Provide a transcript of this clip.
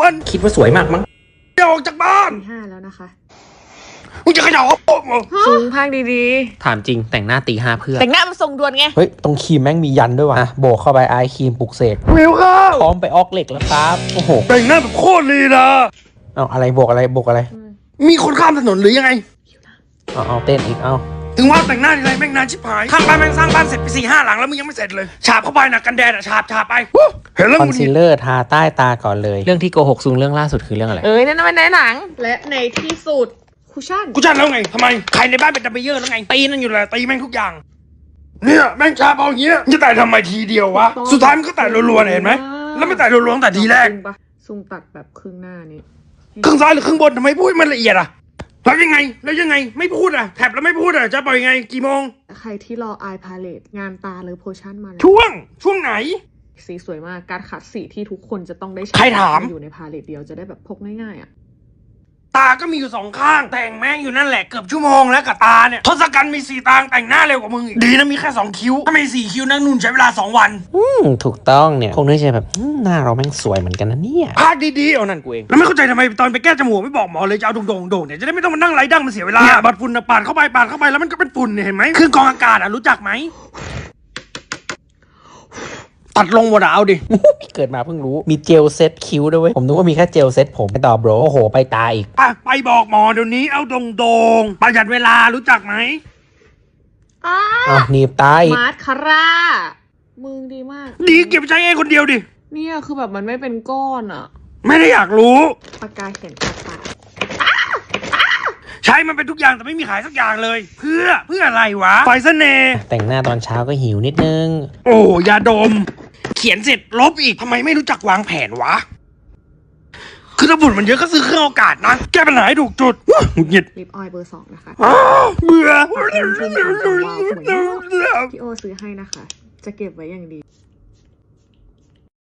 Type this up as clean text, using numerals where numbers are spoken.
วนคิดว่าสวยมากมั้งออกจากบ้าน 5แล้วนะคะมึงจะขยับสูงภาคดีถามจริงแต่งหน้าตี 5เพื่อๆแต่งหน้ามันทรงด่วนไงเฮ้ยตรงครีมแม่งมียันด้วยว่ะโบกเข้าไปไอครีมปลุกเสกวิวข้าวพร้อมไปออกเหล็กแล้วครับโอ้โหแต่งหน้าแบบโคตรลีนะเอาอะไรโบกอะไรโบกอะไรมีคนข้ามถนนหรือยังไงเอาเต้นอีกเอาถึงว่าแต่งหน้าทีไรแม่งนานชิบหายข้างบ้านแม่งสร้างบ้านเสร็จไป4-5 หลังแล้วมึงยังไม่เสร็จเลยฉาบเข้าไปนะกันแดดอะฉาบไปเห็นแล้วคอนมึงซีลเลอร์ทาใต้ตาก่อนเลยเรื่องที่โกหกซุงเรื่องล่าสุดคือเรื่องอะไรนั่นมันในหนังและในที่สุดคุชชั่นกูจัดแล้วไงทำไมใครในบ้านเป็นดัมเบลเยอร์แล้วไงตีนั่นอยู่เลยตีแม่งทุกอย่างเนี่ยแม่งฉาบเอาอย่างเงี้ยจะแต่ทำไมทีเดียววะสุดท้ายมันก็แต่รัวๆเห็นไหมแล้วไม่แต่รัวๆตั้งแต่ทีแรกซุงตัดแบบครึ่งหน้านี้ครึ่งซ้ายหรือครึ่งบนทำไมพูดมันละเอียดอะแล้วยังไงไม่พูดอะแถบแล้วไม่พูดอะจะปล่อยยังไงกี่โมงใครที่รอไอพาเลตงานตาหรือโพชั่นมาแล้วช่วงไหนสีสวยมากการขัดสีที่ทุกคนจะต้องได้ใครถามอยู่ในพาเลตเดียวจะได้แบบพกง่ายๆอ่ะตาก็มีอยู่2 ข้างแต่งแม่งอยู่นั่นแหละเกือบชั่วโมงแล้วกับตาเนี่ยทศกัณฐ์มี4 ตาแต่งหน้าเร็วกว่ามึงอีกดีนะมีแค่2 คิ้วถ้ามี4 คิ้วนั่งนุ่นใช้เวลา2 วันถูกต้องเนี่ยคงนึกใจแบบหน้าเราแม่งสวยเหมือนกันนะเนี่ยพากดีๆเอานั่นกูเองแล้วไม่เข้าใจทำไมตอนไปแก้จมูกไม่บอกหมอเลยจะเอาโด่งๆเนี่ยจะได้ไม่ต้องมานั่งไร้ดั้งมันเสียเวลาเนี่ยบัดฝุ่นปาดเข้าไปแล้วมันก็เป็นฝุ่นเนี่ยเห็นไหมเครื่องกรองอากาศอะรู้จักไหมตัดลงหมดอะเอาดิเกิดมาเพิ่งรู้มีเจลเซ็ตคิ้วด้วยเว้ยผมนึกว่ามีแค่เจลเซ็ตผมไปต่อโบรโอ้โหไปตาอีกไปบอกหมอเดี๋ยวนี้เอาโด่งๆประหยัดเวลารู้จักไหมหนีบตาอีกมาร์คาร่ามึงดีมากดีเก็บใช้เองคนเดียวดิเนี่ยคือแบบมันไม่เป็นก้อนอ่ะไม่ได้อยากรู้ปากกาเขียนปากกาใช้มันเป็นทุกอย่างแต่ไม่มีขายสักอย่างเลย เพื่ออะไรวะไฟเสน่ห์แต่งหน้าตอนเช้าก็หิวนิดนึงโอ้ยาดม เขียนเสร็จลบอีกทำไมไม่รู้จักวางแผนวะ คือถ้าฝุ่นมันเยอะก็ซื้อเครื่องอากาศนะแก้ปัญหาให้ถูกจุดหงุดหงิดลิปออยล์เบอร์ 2นะคะเบื่อพี่โอซื้อให้นะคะ จะเก็บไว้อย่างดี